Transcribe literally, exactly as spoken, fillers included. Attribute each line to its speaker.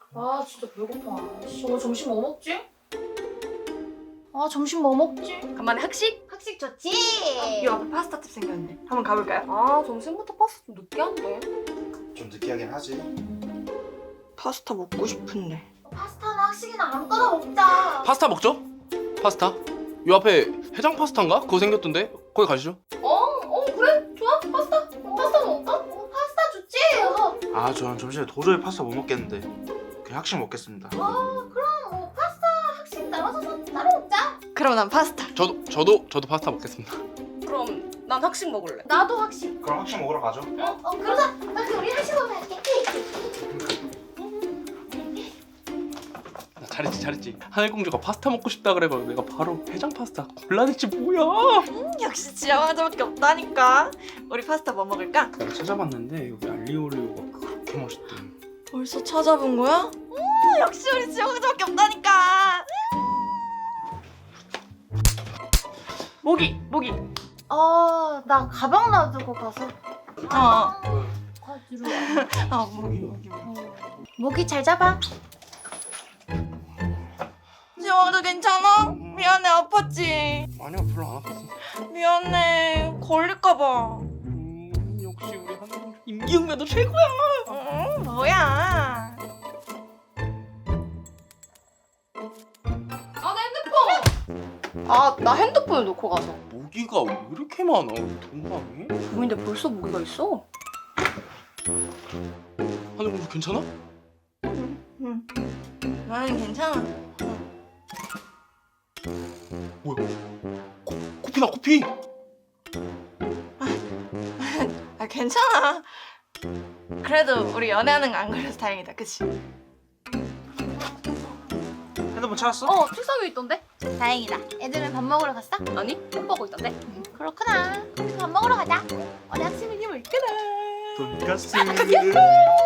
Speaker 1: 아 진짜 배고파. 씨, 오늘 점심 뭐 먹지? 아 점심 뭐 먹지?
Speaker 2: 간만에 학식?
Speaker 1: 학식 좋지?
Speaker 2: 이 앞에 파스타 집 생겼는데 한번 가볼까요? 아 점심부터 파스타 좀 느끼한데.
Speaker 3: 좀 느끼하긴 하지.
Speaker 2: 파스타 먹고 싶은데.
Speaker 1: 파스타나 학식이나 아무거나 먹자.
Speaker 4: 파스타 먹죠? 파스타? 요 앞에 해장 파스타인가? 그거 생겼던데? 거기 가시죠.
Speaker 1: 어? 어 그래? 좋아? 파스타? 어, 파스타 먹을까? 어, 파스타 좋지? 어.
Speaker 3: 아 저는 점심에 도저히 파스타 못 먹겠는데 그냥 학식 먹겠습니다.
Speaker 1: 어 그럼 뭐 파스타 학식 나눠서 따로 먹자.
Speaker 2: 그럼 난 파스타.
Speaker 4: 저도 저도 저도 파스타 먹겠습니다.
Speaker 2: 그럼 난 학식 먹을래.
Speaker 1: 나도 학식.
Speaker 3: 그럼 학식 먹으러 가죠.
Speaker 1: 어? 어 그러자. 나 그 우리 학식 먹으러 갈게.
Speaker 4: 나 잘했지 잘했지. 하늘공주가 파스타 먹고 싶다 그래가지고 내가 바로 해장 파스타 골라냈지 뭐야.
Speaker 2: 음, 역시 지영 화자밖에 없다니까. 우리 파스타 뭐 먹을까?
Speaker 4: 내가 찾아봤는데 여기 알리오올리오가 그렇게 맛있대.
Speaker 2: 벌써 찾아본 거야? 음, 역시 우리 지영 화자밖에 없다니까. 모기 모기.
Speaker 1: 어, 나 가방 놔두고 가서.
Speaker 2: 어.
Speaker 1: 가지러
Speaker 2: 아 모기 모기 모기.
Speaker 1: 모기 잘 잡아.
Speaker 2: 지영 화자 괜찮아? 미안해 아팠지.
Speaker 4: 아니야 별로 안 아팠어.
Speaker 2: 미안해 걸릴까봐.
Speaker 4: 음, 역시 우리 하늘공주 임기응변도 최고야.
Speaker 2: 응 뭐야?
Speaker 1: 아, 내 핸드폰!
Speaker 2: 아 나 핸드폰을 놓고 가서.
Speaker 4: 모기가 왜 이렇게 많아? 동방에?
Speaker 2: 근데 벌써 모기가 있어?
Speaker 4: 하늘공주 괜찮아?
Speaker 2: 응. 나는 괜찮아.
Speaker 4: 뭐야? 코, 코피나 코피.
Speaker 2: 아 괜찮아. 그래도 우리 연애하는 거 안 걸려서 다행이다, 그치?
Speaker 3: 핸드폰 찾았어?
Speaker 1: 어, 책상 위에 있던데? 다행이다. 애들은 밥 먹으러 갔어?
Speaker 2: 아니?
Speaker 1: 못 보고 있던데? 그렇구나. 그럼 밥 먹으러 가자. 어디 학생이 뭘까나?
Speaker 3: 돈가스.